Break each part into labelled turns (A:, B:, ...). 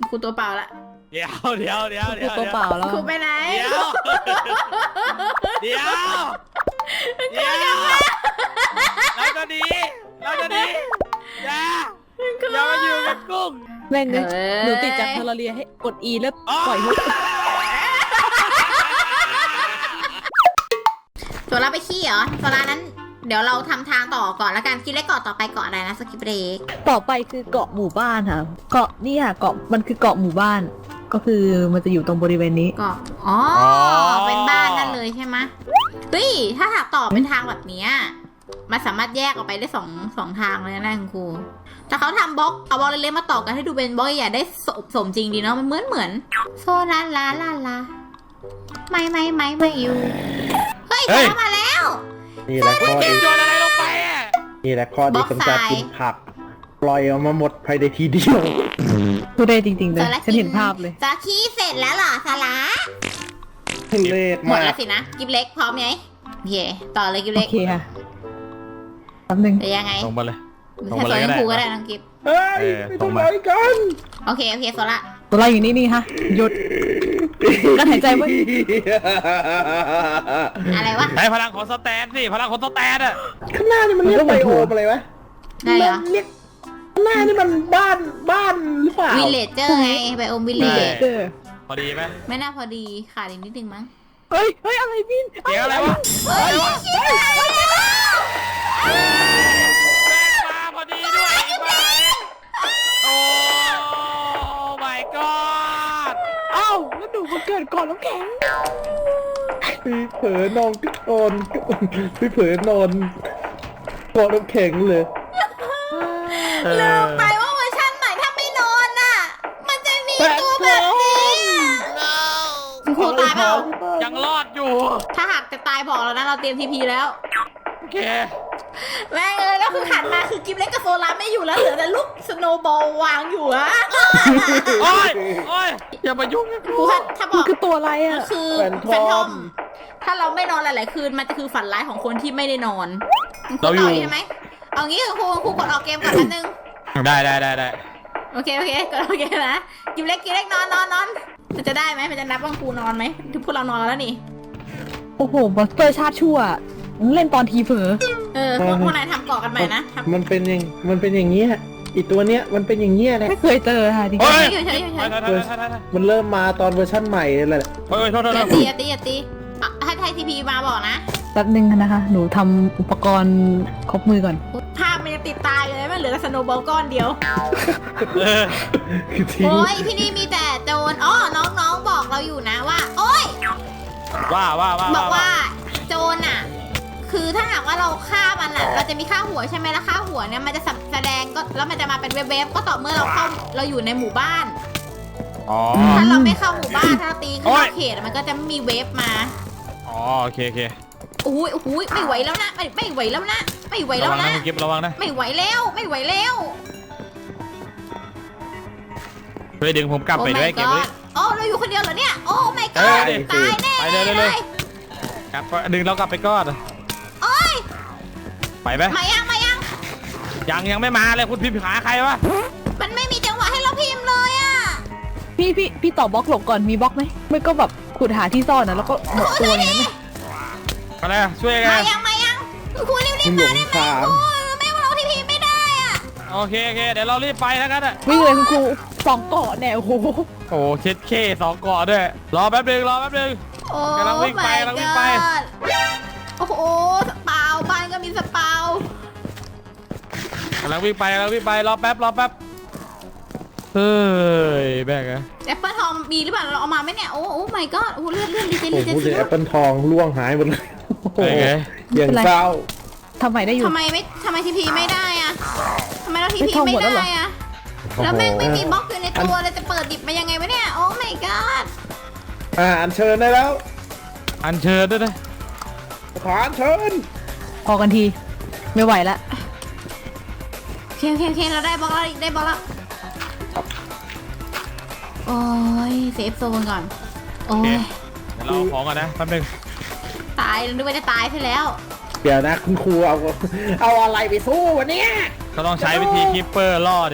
A: ครูตัวเปล่าละ
B: เดี๋ยว
C: ตัวเปล่าแล้ว
A: ครูไปไหน
B: เดี๋ยวเราจะหนีอย่ามาอยู่กับกุ้ง
C: แม่งเลยหนูติดจากเทอร์เรียให้กด E แล้วปล่อยฮุก
A: ตัวเราไปขี้เหรอตัวเรานั้นเดี๋ยวเราทำทางต่อก่อนแล้วกันคิดเล็กเกาะต่อไปเกาะอะไรนะสกิปเบรก
C: ต่อไปคือเกาะหมู่บ้านค่ะเกาะนี่ค่ะเกาะมันคือเกาะหมู่บ้านก็คือมันจะอยู่ตรงบริเวณนี้
A: เกาะอ๋อเป็นบ้านนั่นเลยใช่ไหมเฮ้ยถ้าหากต่อเป็นทางแบบนี้มันสามารถแยกออกไปได้สองทางเลยนะคุณครูแต่เขาทำบล็อกเอาบล็อกเล็กๆมาต่อกันให้ดูเป็นบล็อกใหญ่ได้สมจริงดีเนาะมันเหมือนโซลาลาไม่อยู่เฮ้ยเขามาแล้ว
D: นี่แหละข้อดี
B: โยนอะไรลงไป
D: นี่แหละข้อดีของการกินผักปล่อยออกมาหมดภายในทีเดียว
C: ตัวได้จริงๆเลยฉันเห็นภาพเลย
A: จะขี้เสร็จแล้วเหรอสาระ
D: เล็ก
A: หมด
D: มาก
A: แล้วสินะกิฟเล็กพร้อมไหมโอเคต่อเลยกิฟเล็ก
C: โอเคค่ะแป๊บนึง
A: จะยังไง
B: ลงมาเลย
A: แค่ตัวยังครูก็ได้น้องกิฟ
D: เฮ้ยไม่ต้องไปกัน
A: โอเคโซล่า
C: ตัวเราอยู่นี่ฮะหยุดกั้นหายใจไว้
A: อะไรวะ
B: ใช้พลังของสแตนสิพลังของสแตน
D: ข้างหน้านี่มันเรียกไบโอมอะไรวะ
A: ได้เหรอ
D: เรียกข้างหน้านี่มันบ้านหรือเปล่า
A: วิลเลจเจอร์ไงไบโอมวิลเลจ
B: พอดีไหม
A: ไม่น่าพอดีขาดอีกนิดนึงมั้ง
C: เฮ้ยอะไรบิน
B: เกี่ยวอะไรวะแม่มาพอดีด้วยโอ้ my god
C: เอ้าแล้วดูมันเกิดก่อนน้ำแข็ง
D: พี่เผลอนอนก็นอนพี่เผลอนอนกอดน้ำแข็งเลย
A: ลืมไปว่าเวอร์ชันใหม่ถ้าไม่นอนน่ะมันจะมีตัวแบบนี้ครูตายเปล่า
B: ยังรอดอยู่
A: ถ้าหากจะตายบอกเรานะเราเตรียมทีพีแล้ว
B: โอเค
A: แม่งเลยก็คือหันมาคือกิฟเล็กกับโซลาไม่อยู่แล้วเหลือแต่ลูกสโนว์บอลวางอยู่อะ
B: โอ้ยอย่ามายุ่งนะ
A: ครูถ้าบอก
C: คือตัวอะไรอะ
A: คือแฟนทอมถ้าเราไม่นอนหลายๆคืนมันจะคือฝันร้ายของคนที่ไม่ได้นอน
B: เราอยู่
A: ใช่ไหมเอางี้ครูกดออกเกมก่อนแป๊บนึง
B: ได้
A: โอเคกดออกเกมนะกิฟเล็กนอนมันจะได้ไหมมันจะนับว่าครูนอนไหมถึงพวกเรานอนแล้วนี่
C: โอ้โหบอสเตอร์ชาติชั่วเล่นตอนทีเผลอ
A: พวกนายทำเกาะกันใหม่นะ
D: มันเป็นอย่างเงี้ยอีตัวเนี้ยมันเป็นอย่างเงี้ยแหละ
C: ไม่เคยเจอค่ะจริง
D: ๆมันเริ่มมาตอนเวอร์ชั่นใหม่เลยแหละ
B: โทษ
A: อย่าตีให้ไทยทีพีมาบอกนะ
C: แป๊บนึงนะคะหนูทำอุปกรณ์ครบมือก่อน
A: ภาพมันจะติดตายเลยมันเหลือแต่สโนว์บอลก้อนเดียวโอ้ยที่นี่มีแต่โจรน้องบอกเราอยู่นะว่าโอ้ยบอกว่าโจรอ่ะคือถ้าหากว่าเราฆ่ามันอ่ะเราจะมีค่าหัวใช่ไหมแล้วค่าหัวเนี่ยมันจะแสดงก็แล้วมันจะมาเป็นเว็บก็ต่อเมื่อเราอยู่ในหมู่บ้านถ้าเราไม่เข้าหมู่บ้านถ้าเราตีเข้าเขตมันก็จะไม่มีเว็บมา
B: โอเค
A: อุ้ยไม่ไหวแล้วนะไม่ไหวแล้วนะ
B: เก็บระวังนะ
A: ไม่ไหวแล้ว
B: เฮ้ยดึงผมกลับไปด้วยเก็บไว้
A: เราอยู่คนเดียวเหรอเนี่ยโอ้ไม่ก็ตายแน่
B: ไปเลยกลับดึงเรากลับไปก่อนไปไหม
A: มายัง
B: ยังไม่มาเลยคุณพิมพ์หาใครวะ
A: มันไม่มีจังหวะให้เราพิมพ์เลยอ่ะ
C: พี่ต่อบล็อกหลบก่อนมีบล็อกไหมไม่ก็แบบขุดหาที่ซ่อนนะแล้วก็หมดตัวอย่างนั้น
B: อะไรช่วยกัน
A: มายังคุณรีบมาได้ไหมไม่ว่าเราที่พิมพ์ไม่ได้อ่ะ
B: โอเคเดี๋ยวเรารีบไปแล้วกัน
C: วิ่งเลยคุณครู2 เกาะแนวโ
B: อ้เช็ดเค2 เกาะด้วยรอแป๊บนึงกำลังวิ่งไป
A: โอ้โหสปาวบ้านก็มีสปาว
B: กำลังวิ่งไปรอแป๊บเฮ้ยแบกอะ
A: แอปเปิลทองมีหรือเปล่าเราเอามาไหมเนี่ยโอ้ my god เลื่อนดีเจ
D: แอปเปิลทองล่วงหายหมดเลยอย่างเศร้า
C: ทำไมได้อยู่
A: ทำไมทีพีไม่ได้อะทำไมเราทีพีไม่ได้อะแล้วแม่งไม่มีบล็อกอยู่ในตัวเลยจะเปิดดิบมายังไงวะเนี่ยโอ้ my god
D: อัญเชิญได้แล้ว
B: อัญเชิญด้วยนะ
D: ขออัญเชิญ
C: พอกันทีไม่ไหวละ
A: เคเราได้บล็อกแล้วโอ้ยเซฟโซนก่อนโอ้ย
B: เดี๋ยวเราของก่อนนะแป๊บนึง
A: ตายนึกว่าจะตายไปแล้ว
D: เดี๋ยวนะคุณครูเอาอะไรไปสู้วันนี้
B: ก็ต้องใช้วิธีคิปเปอร์ล่อนี่แหละ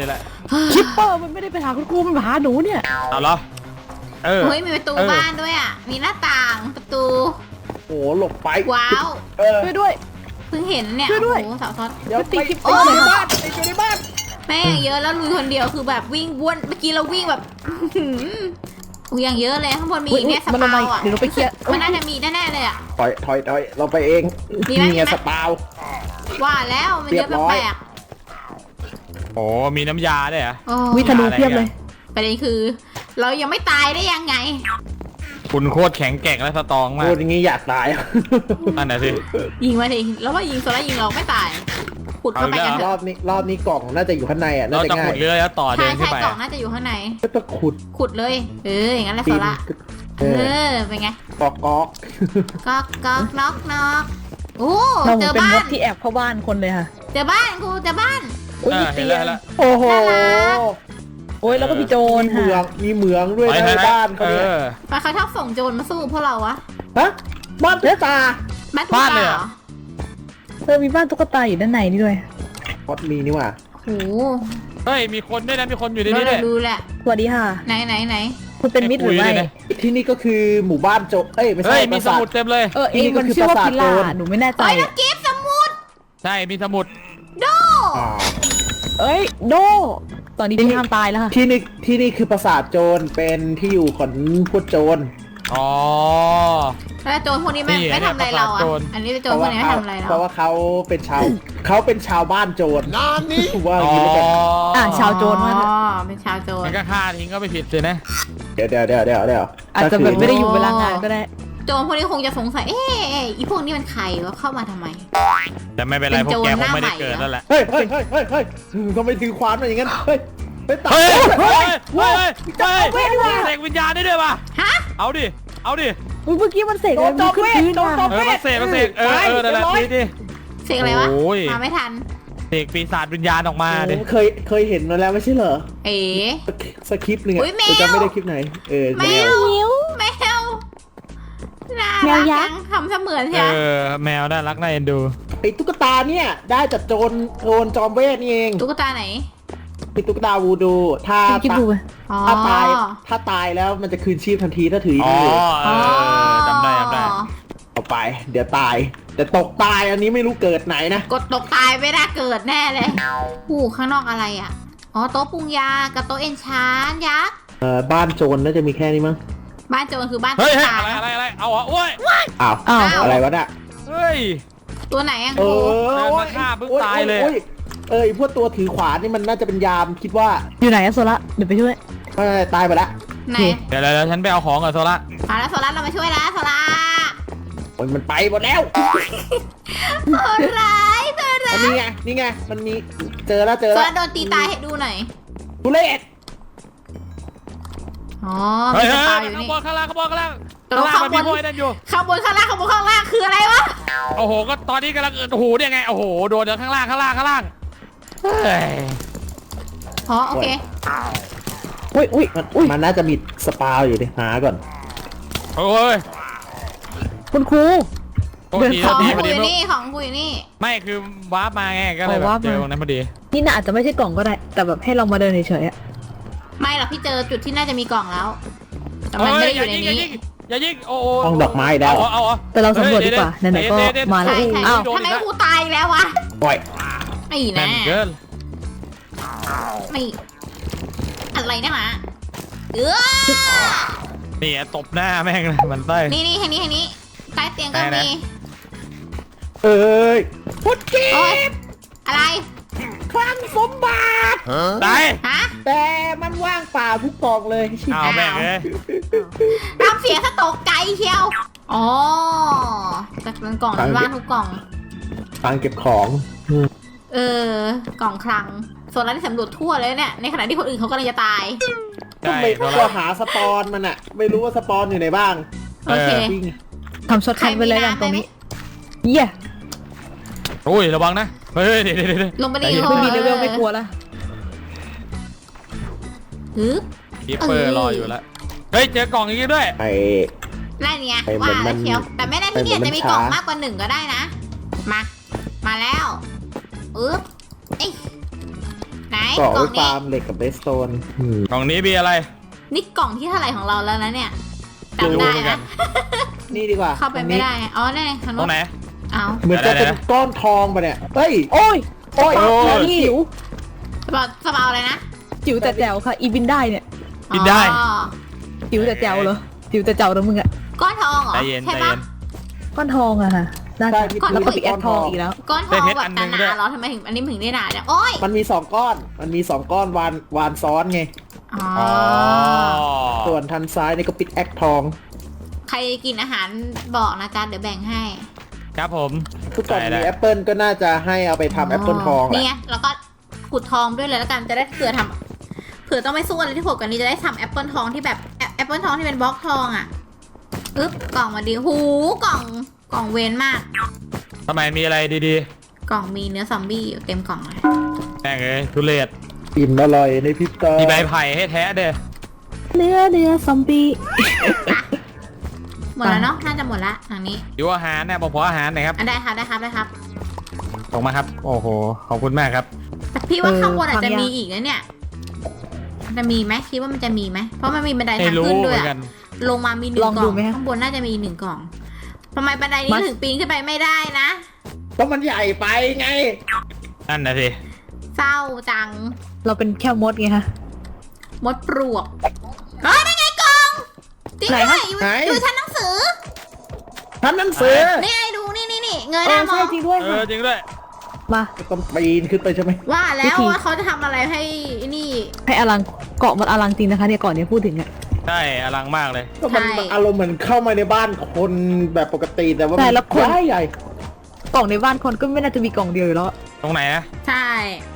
C: คิปเปอร์มันไม่ได้ไปหาคุณครูมันมาหาหนูเนี่ย
B: เอาเหรอเออ
A: เฮ้ยมีประตูบ้านด้วยอ่ะมีหน้าต่างประตู
D: โอ้หลบไป
A: ว้าว
D: เออ
C: ช่วยด้วย
A: เพิ่งเห็นเนี่ย
C: ช่วยด้วย
A: โอ้โหสาวซอส
D: เดี๋ยว
C: ตี
D: ไป
C: กิ๊บ
D: ไปอยู่ในบ้านไปอยู่ในบ้าน
A: แม่งเยอะแล้วลุยคนเดียวคือแบบวิ่งวนเมื่อกี้เราวิ่งแบบอุ้ยอย่างเยอะเลยข้างบนมีอีกเนี่ยส
C: มันลง
A: ปา
C: มา
A: วอ่ะ
C: เดี๋ยวเราไปเคลียร์
A: มันน่าจะมีแน่ๆเลยอ่ะ
D: ถอยเราไปเอง
A: มีไหม
D: นี่ไง
A: มีไหม
D: สปาว
A: ว่าแล้วมันเยอะ
D: เรียบร้อย
A: แปลก
B: โอ้มีน้ำยาด้วยเหรอ
A: ๆโอ้
C: วิธนูเพียบเลย
A: ประเด็นคือ เรายังไม่ตายได้ยังไง
B: คุณโคตรแข็งแกร่งและสตรองมา
D: พู
B: ก
D: ดอย่างงี้อยากตาย
B: นั่นน่ะสิ
A: ยิงมาดิแล้วว่ายิงโซล่ายิงเราไม่ตายขุดเข้าไปกันเถ
D: รอ
A: อะ
D: บนี้กล่องน่าจะอยู่ข้างในอ่ะน่า
B: เรา
D: จะ
B: จะ
D: ง่า
B: ขุ
D: ย
B: ดเรือแล้วต่อเดิ
A: ใช่
B: นขึ้
A: ใช่
B: นไป
A: กล่องน่าจะอยู่ข้างใน
D: ก็ต้องขุด
A: ขุดเลยอย่างนั้นแหละ
D: ปี
A: โซ
D: น
A: ล่า
D: เอ
A: เอ
D: อ
A: อเป็นไง
D: กอก
A: ก๊อกน็อกโอ้
C: เราเห
A: เจ
C: มือน
A: อ
C: เป็น
A: บ้าม
C: ด
A: น
C: ที่แอบเข้าบ้านคนเลยค่ะ
A: เจอบ้านกูเจอบ้าน
C: โอ้ย
B: เอ
C: มี
B: อเห็
C: เตี
B: น
C: ย
B: แล้ว
C: ง
B: เห็นแล้ว
D: โอ้โห
A: น่ารัก
C: โอ้ยแล้วก็มีโจร
D: มีเหมืองด้วย
B: ไป
D: ใน
B: ไปไป
D: บ้านเขา
B: เอ
D: เนี่ย
B: อ
A: ทำไมเขาชอบส่งโจรมาสู้พวกเราวะ
D: ฮะบ้านตุ๊กตา
A: บ้านตุ๊ก
B: บ้าน
A: ตา
B: เลย
A: เห
B: เห
A: ร
B: ร
A: อ
B: อ
C: มีบ้านตุ๊กตาอยู่ด้านในนี่ด้วย
D: พอดมีนี่หว่า
A: โอ้
B: เฮ้ยมีคนด้วยนะมีคนอยู่ใน
A: เรา
B: นี้ด้วย
A: ดูแหละ
C: สวัสดีค่ะ
A: ไหน
C: คุณเป็นมิตรหรือไม่
B: คุยเลยนะ
D: ที่นี่ก็คือหมู่บ้านโจเอ้ยไม่
B: เฮ้
D: ใช่
B: ยมี
D: ปรา
B: ส
D: สาท
B: มุดเต็มเลย
C: เองมันชื่อว่าพิล่าหนูไม่แน่ใจ
A: เฮ้ยนั
C: อะ
A: กกิฟต์สมุด
B: ใช่มีสมุด
A: โด
D: อ่า
C: เอ้ยโดตอนนี้พี่ห้ามตายแล้วค่ะ
D: ที่นี่คือปราสาทโจรเป็นที่อยู่ของพวกโจร
B: อ๋อ
A: แล้วโจรพวกนี้ไม่
B: นี่
A: ไม่ทำอะไรเราอ่ะ
B: โจร
A: อันนี้เป็นโจรพวกนี้ไม่ทำอะไรเรา
D: เพราะว่าเขาเป็นชาวบ้านโจรนานนี้ว่าอ
B: อ๋
D: ย่าง
B: อ
D: นี้แล้วกัน
C: อ่ะชาวโจรมา
A: อ๋อเป็นชาวโจร
B: งั้นก็ฆ่าทิ้งก็ไม่ผิดเลยนะ
D: เดี๋ยว
C: อาจจะแบบไม่ได้อยู่เวลางานก็ได้
A: โจรพวกนี้คงจะสงสัย เอ๊ะอีพวกนี้มันใครวะเข้ามาทำไม
B: แต่ไม่เป็นไร
A: เป็น
B: พวกแก
A: โจร
B: คงไม่ได้
A: หน้าใหม่
B: เกิดนั่นแหละ
D: เฮ้ยทำไมถือขวานมาอย่างนั้นเฮ้ยตัด
B: เฮ้ยเฮ้ย
D: เฮ้
B: เฮ้
D: ย
B: ยเฮ้ยเฮ้ยเสกวิญญาณได้ด้วยป่ะ
A: ฮะ
B: เอาดิเอาดิ
C: เมื่อกี้มันเสก
D: โด
C: อะไร
D: นจอม
C: ขึ้น
D: เวท
C: พื้น
D: โดนจอ
C: มาม
B: มาเสกเออนั่นแหละดิ
A: เสกอะไรวะ
B: โอ้ย
A: มาไม่ทัน
B: เสกปีศาจวิญญาณออกมาดิ
D: เคยเห็นมาแล้วไม่ใช่เหรอ
A: เอ๋
D: สคริปต์หนึ่ง
A: อุ๊
D: อะ
A: ยแมว
D: แต่จำไม่ได้คลิปไหน
A: แม
D: แมว
A: วแมวน่า
C: แม
A: รั
C: ว
A: ก
C: ยั
A: จั
C: กษ์
A: งทำเสมือน
B: เอ
A: ใช่ไหม
B: อแมวน่ารักน่าเอ็นดู
D: ไอ้ตุ๊กตาเนี่ยได้จากโจรจอมเวทนี่เอง
A: ตุ๊กตาไหน
D: เป็นตุ๊กตาวูดูถ้า
C: คิดดูไป
A: อ๋อ
D: ถ้าตายแล้วมันจะคืนชีพทันทีถ้าถือ
B: อ๋อ
D: มือ
B: เออจำได้
D: เอาไป เดี๋ยวตาย แต่ตกตายอันนี้ไม่รู้เกิดไหนนะ
A: กดตกตายไม่ได้เกิดแน่เลยหูข้างนอกอะไรอ่ะ อ๋อโต๊ะปรุงยากับโต๊ะเอนชานยักษ์
D: บ้านโจรน่าจะมีแค่นี้มั้ง
A: บ้านโจรคือบ้าน
B: เฮ้ย
A: ตุ๊ก
B: เฮ้ย
A: ตา
B: อะไรเอาอ่ะโอ้ย
D: อ้าว
C: อ้าว
D: อะไรวะน่ะ
B: เฮ้ย
A: ตัวไหนอ่ะ
D: เอ
A: ครู
B: เดิน
D: อ
B: มาฆ่าปุ๊บตายเลย
D: ไอ้พวกตัวถือขวานนี่มันน่าจะเป็นยามคิดว่า
C: อยู่ไหนอะโซละเดี๋ยวไปช่วย
D: ตายไปแล้ว
A: ไหน
B: เดี๋ยวฉันไปเอาของก่อนโซละ
A: มาแล้วโซล่าเรามาช่วยแล้วโซล่า
D: โอ้ยมันไปหมดแล้ว
A: โหดร้ายโหดร้าย
D: นี่ไงมันมีเจอแล้ว
A: โซล่าโดนตีตายให้ดูหน่อย
D: ทุเรศ
A: อ๋อ
B: เฮ้
A: มี
B: ย
A: ส
B: เฮ้ย
A: ปาอยู่
B: ข้าง
A: นี่
B: บนข้างล่างมันมีพวกไอ้นั่นอยู่
A: ข้างบนข้างล่างคืออะไรวะ
B: โอ้โหก็ตอนนี้กำลังโอ้โหเนี่ยไงโอ้โหโดนจากข้างล่างเฮ้ย
A: อ๋อโอเค
C: อุ้ย
D: มันน่าจะมีสปาอยู่ดิหาก่อน
B: โอ้ย
C: คุณครู
B: โทษที
A: ข
B: โท
A: อง
B: ษที
A: กู
B: พอ
A: อ
B: ดี
A: ยู่นี่ของกูอยู่นี่
B: ไม่คือวาร์ปมาไงก็เลยแบบเจอตรงนั้นพอดี
C: นี่น่าอาจจะไม่ใช่กล่องก็ได้ แต่แบบให้เรามาเดินเฉยๆอะ
A: ไม่หรอกพี่เจอจุดที่น่าจะมีกล่องแล้ว แต่มันไม่ได้อยู่ในนี้
B: อย่ายิงโอ้
D: ห้องดอกไม้แล้ว
B: เอา
C: แต่เราสำรวจดีกว่าไหนๆก็มาแล้ว
A: ใช่ใช่
C: อ้าว
A: ทำไมกูตายอีกแล้ววะ
D: ปล่อย
A: ไอ้
B: แน่
A: นะ
B: นเกิน
A: ไม่อะไรนะหมา
B: นี่ตบหน้าแม่งเลยมันไส้
A: นี่ทางนี้ใต้เตียงก็
B: ไหน
A: มี
D: เอ้ยพุทธิ
A: โอ๊ยอะไร
D: คลังสมบัติ
B: ตาย
A: ฮะ
D: แต่มันว่างเปล่าทุกกล่องเลย
B: เอาแม่งเลย
A: ตามเสียงสะตกใจเชียว อ๋อแต่มันกล่องมันว่างทุกกล่อง
D: ฟังเก็บของ
A: กล่องคลังส่วนร้านที่สำรวจทั่วเลยเนี่ย ในขณะที่คนอื่นเขากำลังจะตาย
D: ทำไม
B: ตัว
D: เราหาสปอนมันอะไม่รู้ว่าสปอนอยู่ไหนบ้าง
A: โอเค
D: จริง
C: ทำช็อตคัทไปเลยกันตรงนี้เยี่ย
B: โอ้ยระวังนะเฮ้ยเดี๋ยว
A: ลงไปดิ
C: ไม่มีเลเวลไม่กลัวละ
A: ฮึบ
B: คีเปอร์รออยู่แล้วเฮ้ยเจอกล่องอย่างงี้ด้วย
D: ไอ้
A: ได้เนี่ย
D: ไปเหมื
A: ว่า
D: อนมั
A: แล้ว
D: น
A: เชียว แต่ไม่ได้ที่เนี่ย
D: ไปเหมือน
A: จะมีกล่อง
D: มันช้าม
A: มากกว่าหนึ่งก็ได้นะ มาแล้วอึ๊บไหนไหน
D: เกาะ
A: กล่
D: ไว้
A: องนี้
D: ฟาร์มเหล็กกับเบสโตน
B: กล่องนี้มีอะไร
A: นี่กล่องที่เท่าไหร่ของเราแล้วนะเนี่ย
B: ไม่รู้
A: จำได้
B: เหมือน
A: ไหม
B: กัน
D: นี่ดีกว่า
A: เข้าไปไม่ได้อ๋อได้คัน
B: ตรงไหน
A: เอา
D: เหมือนจะเป็นก้อนทองปะเนี่ยเฮ้ย
C: โอ้ย
D: โอ้ย
B: โอ้ย
C: จิ๋ว
A: สบายอะไรนะ
C: จิ๋วแต่แจ๋วค่ะ อีบินได้เนี่ย
B: กินได้
A: อ๋อ
C: จิ๋วแต่แจ๋วเหรอจิ๋วแต่แจ๋วแล้วมึงอะ
A: ก้อนทองเหรอ
B: ใจเย็น
A: ใช่
B: ใจ
A: ปะ
B: เย็น
C: ก้อนทองอะค่ะน่าจะ
D: ใช่ที่
C: แล้วก็
D: พื้น
C: ปิกแอคทองอีกแล้ว
A: ก้อนทอง
B: ได้เพชร
A: แบ
B: อั
A: บ
B: นหนึ่ง
A: ห
B: ด้
A: นา
B: วย
A: ๆเหรอทำไมถึงอันนี้ถึงได้หนาเนี่ยโอ้ย
D: มันมี2ก้อน มันมี2ก้อนวานซ้อนไง
A: อ๋อ
B: อ๋อ
D: ส่วนทันซ้ายนี่ก็ปิดแอคทอง
A: ใครกินอาหารบอกนะจ๊ะเดี๋ยวแบ่งให้
B: ครับผม
D: ทุกคน
B: ได้
D: มีแอปเปิลก็น่าจะให้เอาไปทำแอปเปิลทองแห
A: นี่
D: ละ
A: ไงแล้วก็ขุดทองด้วยเลยแล้วกันจะได้เผื่อทำเผื่อต้องไม่สู้อะไรที่โหดกว่านี้จะได้ทำแอปเปิลทองที่แบบแอปเปิลทองที่เป็นบล็อกทองอ่ะอึ๊บกล่องมาดีหูกล่องเวนมาก
B: ทำไมมีอะไรดี
A: กล่องมีเนื้อซอมบี้อยู่เต็มกล่องเลย
B: ๆแม่งเอ้ยทุเรศ
D: อิ่มอร่อยในพริบตา
B: มีใบไผ่ให้แท้เด้อ
C: เนื้อซอมบี้
A: หมดแล้วเนาะน่าจะหมดละทางนี้
B: อยู่อาหารเนี่ยบอกขออาหารหน่อยครับ
A: อ่ะได้ครับได้ครับได้ครับ
B: ส่งมาครับ โอ้โห ขอบคุณมากครับ
A: แต่พี่ว่าข้างบนอาจจะมีอีกนะเนี่ยจะมีไหมคิดว่ามันจะมีไหมเพราะมันมีบันได
B: ไม่
A: ทาง
B: รู้
A: ขึ้น
B: เห
A: ด้ว
B: มื
A: ย
B: อน
A: อะ
B: กัน
A: ลงมามี1 กล่องข้างบนน่าจะมี1 กล่องทำไมบันไดนี้ถึงปีนขึ้นไปไม่ได้นะ
D: เพราะมันใหญ่ไปไง
B: นั่นนะสิ
A: เศร้าจัง
C: เราเป็นแค่มดไงคะ
A: มดปลวกเฮ้ยนั่นไงกล่องจริง
C: ไหน
A: ด้ว
C: คะ
A: ยอยู่
D: ไหน
A: อยู่ชั้นหนังสือ
D: ทำหนังสือ
A: นี่ไงดูนี่เง
C: เอย
A: หน้า
C: อ
A: มอ
C: ใช่
A: ง
C: จริงด้วย
B: เอ
C: ค่ะ
B: อจริงด้วย
C: มา
D: ต้องปีนขึ้นไปใช่ไหม
A: ว่าแล้
C: วิ
A: ว
C: ธี
A: ว่าเขาจะทำอะไรให้นี่
C: ให้อลังเกาะมันอลังจริงนะคะเนี่ยเกาะเนี้ยพูดถึงอะ
B: ใช่อลังมากเลย
D: ก็มัน
A: ใช่
D: อารมณ์เหมือนเข้ามาในบ้านคนแบบปกติแต่ว่า
C: แต่ละคน
D: ใหญ่
C: กล่องในบ้านคนก็ไม่น่าจะมีกล่องเดียวอยู่แล้ว
B: ตรงไหนนะ
A: ใช่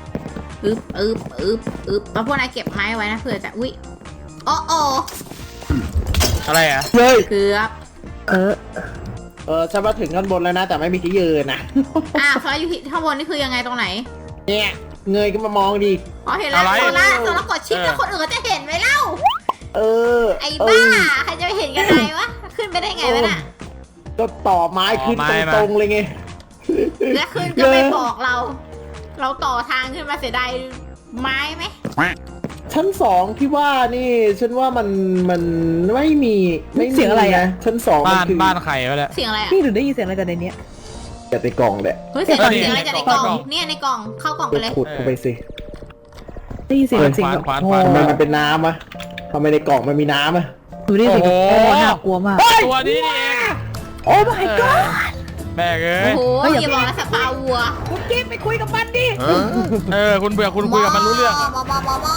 A: แล้วพวกนายเก็บไม้ไว้นะเผื่อจะอุ้ยโอ้โอ
B: อะไรอ่ะ
D: เฮ้ย
A: เกือบ
D: ฉันมาถึงข้างบนแล้วนะ แต่ไม่มีที่ยืนนะ
A: โซล่าอยู่ที่ข้างบนนี่คือยังไงตรงไหน
D: เนี่ยเงยก็มามองดิ
A: อ๋อเห็นแล้ว
B: อะไร
A: โซล่ากดชิปแล้วคนอื่นก็จะเห็นไหมเล่า
D: เออ
A: ไอ้บ้าใครจะไปเห็นกันไงวะขึ้นไปได้ไงวะน่ะ
D: ก็ต่อไม้ขึ้น
B: ต่อไม้มา
D: ตรงๆเลยไง
A: และขึ้นก็ไม่บอกเรา เราต่อทางขึ้นมาเสียดายไม้ไหม
D: ชั้น2ที่ว่านี่ฉันว่ามันไม่มี
C: เสียงอะไรอะ
D: นชั้น2
B: บ้าน
D: คือ
B: บ้านไข่ไปแล้ว
A: เสียงอะไรอ่ะ
C: นี่หรือได้ยินเสียงอะไรจากในเนี้ย
D: จะในกล่องแหละ
A: เฮ้ยเสียง
B: เออ
A: เสียงอะไรจากในกล่อง
B: ในกล่อง
A: เนี่ยในกล่องเข้ากล่องไปเลย
D: ขุดเข้าไปสิ
C: ได้ยินเสียงเสียงแบบ
B: ขวาน
C: โอ้
B: ขวาน
D: ทำไมมันเป็นน้ำอะทำไมในกล่องมันมีน้ำอะ
C: ดูได้ยินเสียงแบบ
B: โอ้
C: โอ้
B: โห
C: น่ากลัวมาก
B: ตัวนี้นี่เอง
D: โอ้ my god
B: แม่งเอ้
A: โอ้
B: ย
A: โห
C: เฮ้ยอย่า
A: อย่าบอกนะสปาวัว
C: คุณกิ๊ฟไปคุยกับมันดิ
B: คุณเบื่อคุณคุยกับมันรู้เรื่องอะ
A: ม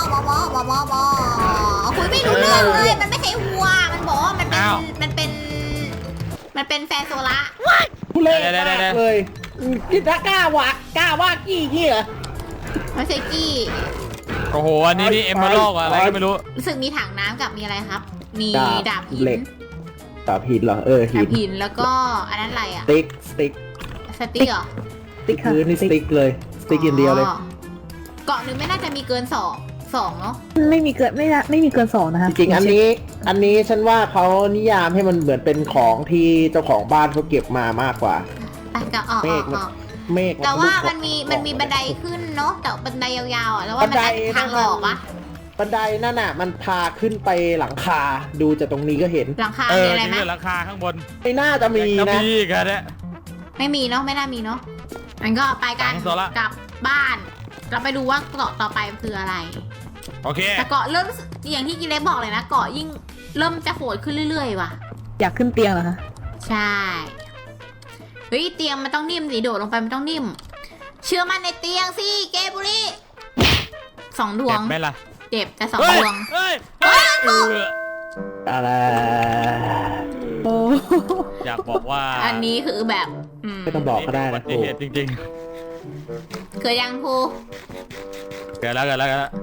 A: คุยไม่รู้เรื่องเลย มันไม่ใช่วัว มันบอกว่ามันเป็น
B: อ้าว
A: มันเป็นแฟนโซล่า
D: ผู้เล่น
B: เดี๋ยว
D: มากเลยกินกล้าว่ากี้เหี้ย
A: ไม่ใช่กี้
B: โอ้โห อันนี้นี่เอมเบอร์ลอกอะไรก็ไม่รู้
A: รู้สึกมีถังน้ำกับมีอะไรครับ มีดาบหิ
D: เหล็
A: น
D: กดาบหินเหรอหิ
A: ดาน บหินแล้วก็อันนั้นอะไรอ่ะ
D: สติ๊ก
A: สติ๊กเหรอ
C: สติ๊กค่ะ
D: พื้นนี่สติ๊กเลยสติ๊กอย่างเดียวเลย
A: เกาะหนึ่งไม่น่าจะมีเกินสองเนาะ
C: ไม่มีเกิน2นะคะ
D: จริงๆอันนี้ฉันว่าเขานิยามให้มันเหมือนเป็นของที่เจ้าของบ้านเขาเก็บมามากกว่า
A: ไปกับออก
D: เมฆมัน เมฆ
A: แต่ว่า
D: รูป
A: มันมีบันไดขึ้นเนาะแต่บันไดยาวๆอ่ะแล้วว่ามันอาจจะทางออกปะ
D: บันไดนั่นน่ะมันพาขึ้นไปหลังคาดูจากตรงนี้ก็เห็น
A: หลังคา
B: เอ
A: มี
B: อ
A: อะไร
B: จริง
A: ไหม
B: ด้วยราคาข้างบน
D: ไม่น่าจะมี
B: จะ
D: นะ
B: มีอีกันเนี่ย
A: ไม่มีเนาะไม่น่ามีเนาะมันก็ไปกัน
B: ฝังโซล่า
A: กลับบ้าน เราไปดูว่าเกาะต่อไปคืออะไร
B: โอเค
A: แต่เกาะเริ่มรู้สึกอย่างที่กิเล็กบอกเลยนะเกาะยิ่งเริ่มจะโหดขึ้นเรื่อยๆว่ะ
C: อยากขึ้นเตียงเหรอคะ
A: ใช่เฮ้ยเตียงมันต้องนิ่มสิโดดลงไปมันต้องนิ่ม เชื่อมั่นในเตียงสิเกบุรี2 ดว
B: เจ็
A: ง
B: บไหมล่ะ
A: เจ็บแต่2
B: เฮ้ย
A: ดวง
B: เฮ้ยเฮ้ยเออ
D: อะไร
C: โอ้
B: อยากบอกว่า
A: อันนี้คือแบบ
D: ไม่ต้องบอกก็ได้
B: อุบั
D: นะ
B: ติเหตุจริง
A: เคยยังครู
B: ๆเกิดแล้ว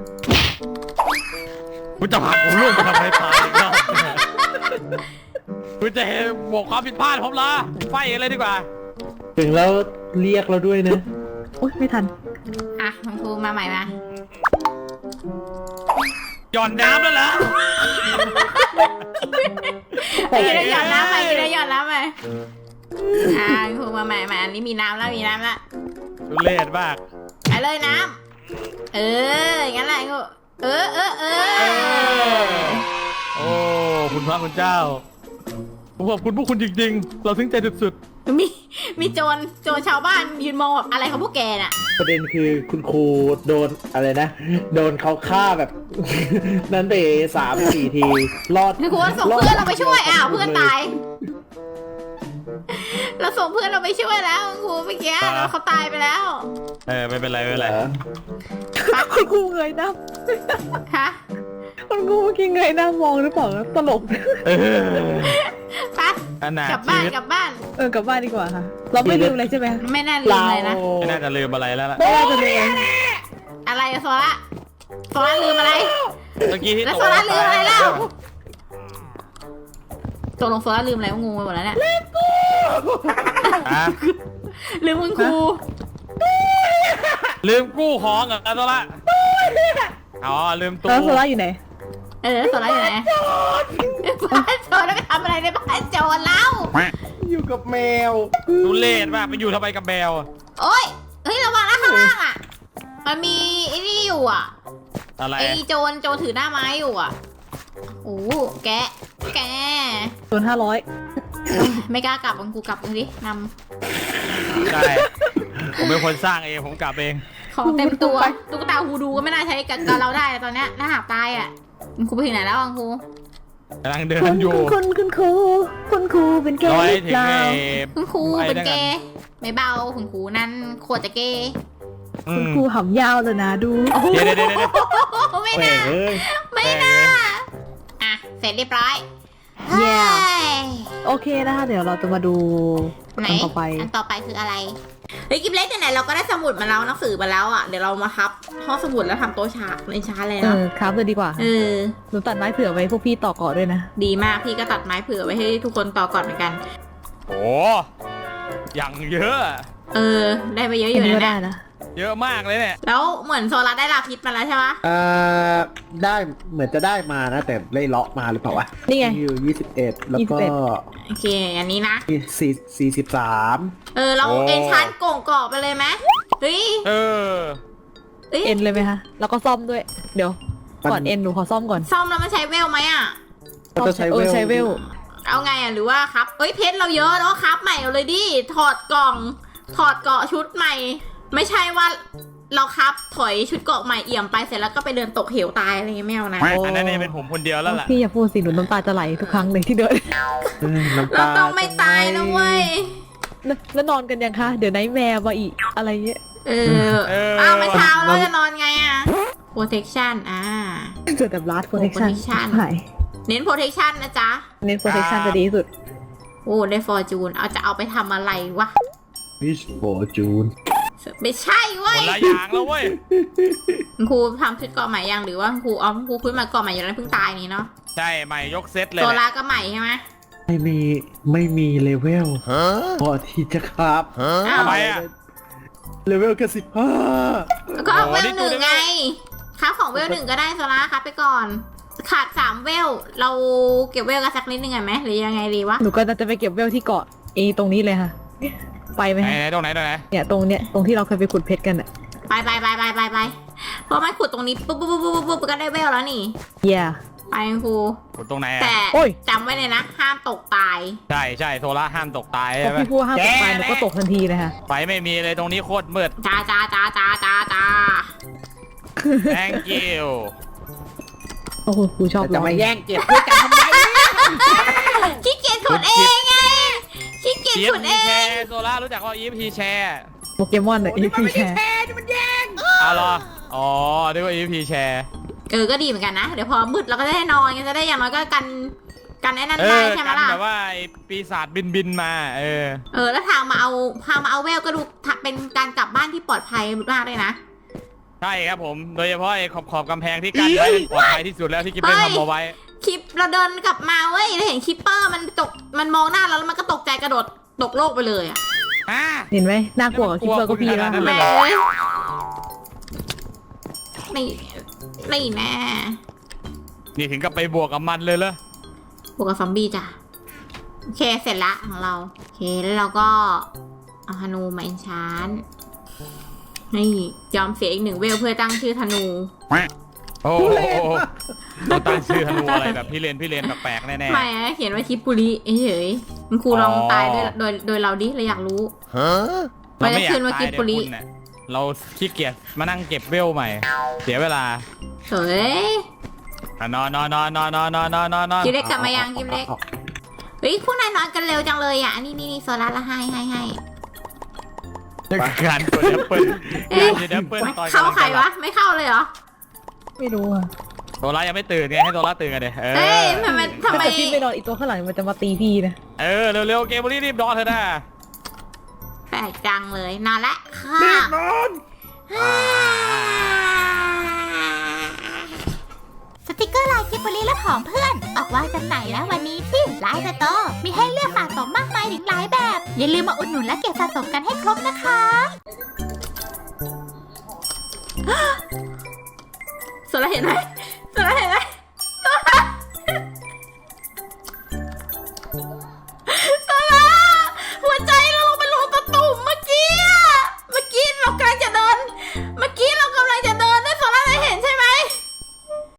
B: คุณจะพาผมลูกมาทำไมตายอีกรอบคุณจะเห็นบอกความผิดพลาดผมละไฟกันเลยดีกว่า
D: ถึงแล้วเรียกเราด้วยนะ
C: โอ๊ยไม่ทัน
A: อ่ะคุณครูมาใหม่มา
B: หย่อนน้ำแล้วเหรอ
A: กินได้หย่อนน้ำไปกินได้หย่อนน้ำไปคุณครูมาใหม่มาอันนี้มีน้ำแล้ว
B: ทุเรศมาก
A: ไปเลยน้งั้นแหละงูเออ
B: โอ้คุณพระคุณเจ้าผมขอบคุณพวกคุณจริงๆเราถึงใจสุด
A: มีโจรชาวบ้านยืนมองแบบอะไรของพวกแกน่ะ
D: ประเด็นคือคุณครูโดนอะไรนะ โดนเขาฆ่าแบบ นั้นไป3-4 ทีรอด
A: คือคุณส่งเพื่อนเราไปช่วยอ้าวเพื่อนตาย เราส่งเพื่อนเราไปช่วยแล้วครูเมื่อกี้แล้วเขาตายไปแล้ว
B: ไม่เป็นไรไม่เป็นไร
C: คุณครูเงยหน้า
A: ฮะ
C: คุณครูเมื่อกี้เงยหน้ามองหรือเปล่าตลก
A: ไป
B: ขนาด
A: กลับ
B: ชี
A: บ้าน
B: วิต
A: กลับบ้าน
C: กลับบ้านดีกว่าค่ะ เราไม่ลืมอะไรใช่ไหม
A: ไม่น่าลืมเลยนะ
B: ไม่น่าจะลืมอะไรแล้วล่ะ
C: ไม่น่าจะลืม
A: อะไรอะโซล่าลืมอะไร
B: เมื่อกี้ที่
A: แล้ว
B: ต
A: โซ
B: ก
A: ล่าลืมอะไรแล้วตกลงโซล่าลืมอะไรงูไปหมดแล้วเนี่ย
B: อ่ะ
A: ลืมคุณครู
B: ลืมกู้ของเหรอตัวละอ๋อลืมตู้
C: แล้วโซล่าอยู่ไหน
A: โซล่าอยู่ไหนบ้านโจรแล้วไปทำอะไรในบ้านโจรเล่า
D: อยู่กับแมว
B: ดูเลดป่ะไปอยู่ทำไมกับแมว
A: โอ๊ยเฮ้ยระวังนะข้างล่างอ่ะมันมีไอ้นี่อยู่อ่ะ
B: อะไร
A: ไอ้โจรถือหน้าไม้อยู่อ่ะโอ้แก
C: ส่วน500
A: ไม่กล้ากลับกูกลับมึงดิน
B: ใช่ผมเป็นคนสร้างเองผมกลับเอง
A: ำของเต็มตัวตุ๊กตาฮูดูก็ไม่น่าใช้กับเราได้ตอนเนี้ยถ้าหากตายอ่ะคุณครูไปถึงไหนแล้วครู
B: กำลังเดินอยู่
C: คุณครูเป็นแก
B: ร้อย
C: หรือ
B: ถึง
C: เปล่า
A: คุณครูเป็นเกย์ไม่เบาคุณครูนั่นโคตรจะเกย์
C: คุณครูหำยาวเลยนะดู
B: เดี๋ยว
A: ไม่
D: แหม
A: น่า
D: เอ้ย
A: ไม่น่าอ่ะเสร็จเรียบร้อย
C: แย่
A: เฮ้ย
C: โอเคนะคะเดี๋ยวเราจะมาดู
A: ไหน
C: อันต่อไป
A: อันต่อไปคืออะไรเฮ้ยกิฟเล็กไหนๆเราก็ได้สมุดมาแล้วหนังสือมาแล้วอ่ะเดี๋ยวเรามาครับห้องสมุดแล้วทำโต๊ะฉากในช้าเลยเนาะ
C: ครับเลยดีกว่า หนูตัดไม้เผื่อไว้พวกพี่ต่อก่อด้วยนะ
A: ดีมากพี่ก็ตัดไม้เผื่อไว้ให้ทุกคนต่อก่อนเหมือนกัน
B: โอ้อย่างเยอะ
A: ได้ไปเยอะอยู่
C: อันนี้ก็
A: นะ
C: ได้
A: เนี่ย
C: นะ
B: เยอะมากเลยเนี่ย
A: แล้วเหมือนโซลาได้ลาพิษมาแล้วใช่ไหม
D: ได้เหมือนจะได้มานะ แต่ได้เลาะมาหรือเปล่าวะ
C: นี่ไง
D: อยู่21 แล้วก็
A: โอเคอันนี้นะ
D: 43
A: เราเอ็นชานโก่งกรอบไปเลยไหมเฮ้ย
B: เออ
A: เอ้ย
C: เอ็นเลยไหมคะแล้วก็ซ่อมด้วย เดี๋ยวก่อนเอ็นหนูขอซ่อมก่อน
A: ซ่อมแล้วมันใช้เวลไหมอ่ะ
D: ก็จะใช้เวล
C: ใช้เวล
A: เอาไงอ่ะหรือว่าครับเอ้ยเพชรเราเยอะแล้วครับใหม่เอาเลยดิถอดกล่องถอดเกาะชุดใหม่ ไม่ใช่ว่าเราครับถอยชุดเกาะใหม่เอี่ยมไปเสร็จแล้วก็ไปเดินตกเหวตายอะไรเงี้ยไม่เอานะ
B: อันนั้นเนี่ยเป็นผมคนเดียวแล้วล่ะ
C: พี่อย่าพูดสิหนูน้ำตาจะไหลทุกครั้งเลยที่เดิน
D: น้ำ
A: เรา
D: ตา
A: ต้องไม่ตายนะเว้ย
C: แล้วนอนกันยังคะเดี๋ยวไนท์แมร์มาอีกอะไรเงี้ย
A: เอามาเช้าเราจะนอนไงอ่ะ protection
C: เจอแต่ blast protection
A: protection
C: หาย
A: เน้น protection นะจ๊ะ
C: เน้น protection จะดีที่สุด
A: โอ้ได้ fortune จะเอาไปทำอะไรวะ
D: วิชโฟจูน
A: ไม่ใช่เว้
B: ค
A: ย
B: นละอย่างแล้วเว้ย
A: คุณครูทำชุดเกาะใหม่ยังหรือว่าคุณครูคุณครูขึ้นมาเกาะใหม่อยู่แล้วเพิ่งตายนี่เนาะ
B: ใช่ใหม่ยกเซตเลย
A: โซ
B: แห
A: ล่า
B: ละ
A: ก็ใหม่ใช่ไหม
D: ไม่มีเลเวลพอที่จะครับ
A: อ้าว
B: ทำไมอ่ะ
D: เลเวลแค่15
A: ก็เวล
B: นี่
A: หนึ่ง
B: ดูได้ไหม
A: ไงครับของเวลหนึ่งก็ได้โซล่าครับไปก่อน ขาด3เวลเราเก็บเวลกันสักนิดนึงไงไหมหรือยังไงดีวะ
C: หนูก็จะไปเก็บเวลที่เกาะตรงนี้เลยค่ะ ไปไหม
B: ไหน
C: ฮะ
B: ไหนตรงไหน
C: เนี่ยตรงที่เราเคยไปขุดเพชรกันอ่ะ
A: ไปเพราะมันขุดตรงนี้ปุ๊บก็ได้เวลแล้วนี่
C: เย่
A: ไปคุณครู
B: กดตรงไหนอ่ะ
A: แต่
C: โอ้ย
A: จำไว้เลยนะ ห้ามตกตาย
B: ใช่โซล่าห้ามตกตาย
C: พอ
B: ใช่ไหม
C: พี่พูดห้ามตกไปหนูก็ตกทันทีเลยค่ะ
B: ไฟไม่มีเลยตรงนี้โคตรมืด
A: จ้า
B: thank you
C: โอ้โหครูชอบ
D: จะ
C: ร้อ
D: มาย แย่งเก็บด้วยกันทำไม
A: ขี้เกียจขุดเองไงขี้เกียจ
B: EFP
A: ขุดเอ
B: แช
A: ง
B: ร์โซล่ารู้จักว่า EFP แชร์
C: โปเกมอนอ่ะพี่แชร์
B: เอาเหรออ๋อเรียกว่า EFP แชร์
A: ก็ดีเหมือนกันนะ เดี๋ยวพอมืดเราก็จะได้นอนจะได้อย่างน้อยก็กันไอ้นั่น
B: เอ
A: ได้
B: อ
A: ใช่ไหม
B: กัน
A: ล่ะ
B: แบบว่าไอ้ปีศาจบินมา
A: แล้วทางมาเอาเวลก็ดูเป็นการกลับบ้านที่ปลอดภัยมากเลยนะ
B: ใช่ครับผมโดยเฉพาะไอ้ขอบกำแพงที่กั้นไว้เป็นปลอดภัยที่สุดแล้วที่กิ๊บได้ทำเอาไว้
A: คลิปเราเดินกลับมาเว้ยเราเห็นคิปเปอร์มันมองหน้าเราแล้วมันก็ตกใจกระโดดตกโลกไปเลยอ่ะ
C: เห็นไหมน่ากลัวกว่าคิปเปอร์ก็พี่แล้ว
B: นั่นเลย
A: แม่ไม่แน่
B: นี่ถึงกับไปบวกกับมันเลยเหรอบ
A: วกกับซอมบี้จ้ะโอเคเสร็จละของเราโอเคแล้วเราก็เอาฮานูมาเอนชานนี่ยอมเสียอีก1 เวลเพื่อตั้งชื่อธนู
B: โอ้โหต้องตั้งชื่อธนูอะไรแบบพี่เลนแปลกๆแน่
A: ไม่อะเขียนว่าคิปปุริเฉยๆคุณครูลองตายโดยเราดิเราอยากรู้
B: ๆเราไม่อยาก
A: ขึ้นว่า
B: ตาย
A: กิบปุริ
B: เดี๋ยวคุณเนี่ยเราขี้เกียจมานั่งเก็บเวลใหม่ เสียเวลา
A: เฮ้ย
B: นอน
A: กิมเล็กกลับมายังกิมเล็กเฮ้ยพวกนายนอนกันเร็วจังเลยอ่ะนี่โซล่าละให้
B: การกดแอปเปิ้ลการกดแอปเปิ้ลตอน
A: เข้าใครวะไม่เข้าเลยเหรอ
C: ไม่รู้อ่ะ
B: โซล่ายังไม่ตื่นไงให้โซล่าตื่นกันเลย
A: เฮ้ยทำไม
C: ถ้าเกิดพี่ไม่นอนอีกตัวข้างหลังมันจะมาตีพี่นะ
B: เร็วๆเกมบุรีรีบนอนเถอะนะ
A: แปลกจังเลยนอนละค่ะ
B: รีบนอน
E: สติกเกอร์ลายกิบบุรีและของเพื่อน ออกวางจำหน่ายแล้ววันนี้ที่ไลน์สโตร์มีให้เลือกสะสมมากมายถึงหลายแบบ อย่าลืมมาอุดหนุนและเก็บสะสมกันให้ครบนะคะ
A: โซล่าเห็นไหมโซล่าเห็นไหม